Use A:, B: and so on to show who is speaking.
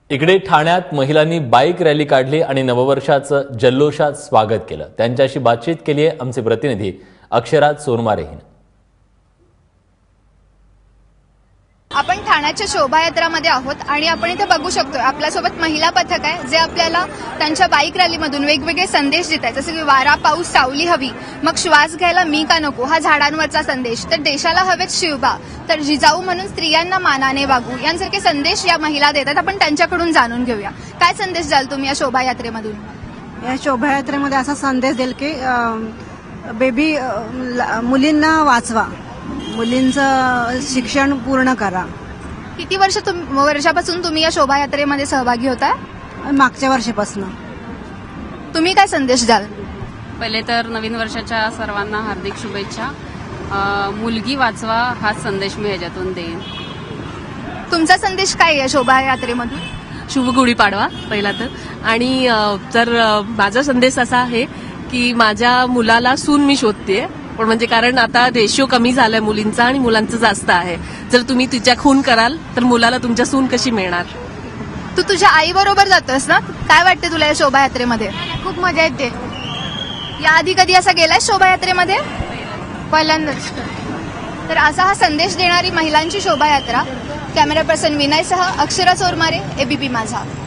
A: इकडे ठाण्यात महिलांनी बाईक रॅली काढली आणि नववर्षाचं जल्लोषात स्वागत केलं। त्यांच्याशी बातचीत केली आहे आमचे प्रतिनिधी अक्षराज सोनमारे हिने।
B: आपण ठाण्याच्या शोभायात्रामध्ये आहोत आणि आपण इथे बघू शकतो आपल्यासोबत महिला पथक आहे जे आपल्याला त्यांच्या बाईक रॅलीमधून वेगवेगळे संदेश देत आहेत, जसे की वारा पाऊस सावली हवी, मग श्वास घ्यायला मी का नको हा झाडांवरचा संदेश, तर देशाला हवेत शिवबा, तर जिजाऊ म्हणून स्त्रियांना मानाने वागू, यांसारखे संदेश या महिला देतात। आपण त्यांच्याकडून जाणून घेऊया काय संदेश द्याल तुम्ही या शोभायात्रेमधून।
C: या शोभायात्रेमध्ये असा संदेश देईल की मुलींना वाचवा, मुलींचं शिक्षण पूर्ण करा।
B: किती वर्षापासून तुम्ही या शोभायात्रेमध्ये सहभागी होता।
C: मागच्या वर्षापासून।
B: तुम्ही काय संदेश द्याल।
D: पहिले तर नवीन वर्षाच्या सर्वांना हार्दिक शुभेच्छा। मुलगी वाचवा हा संदेश मी ह्याच्यातून देईन।
B: तुमचा संदेश काय आहे शोभायात्रेमधून।
E: शुभ गुढीपाडवा पहिला तर, आणि तर माझा संदेश असा आहे की माझ्या मुलाला सून मी शोधतेय, पण म्हणजे कारण आता रेशिओ कमी झालाय मुलींचा आणि मुलांचं जास्त आहे। जर तुम्ही तिच्या खून कराल तर मुलाला तुमच्या सून कशी मिळणार।
B: तू तुझ्या आई बरोबर जातोस ना, काय वाटते तुला या शोभायात्रेमध्ये।
C: खूप मजा येते।
B: याआधी कधी असा गेलाय शोभायात्रेमध्ये। पहिल्यांदाच। तर असा हा संदेश देणारी महिलांची शोभायात्रा। कॅमेरा पर्सन विनयसह अक्षरा सोरमारे, एबीपी माझा।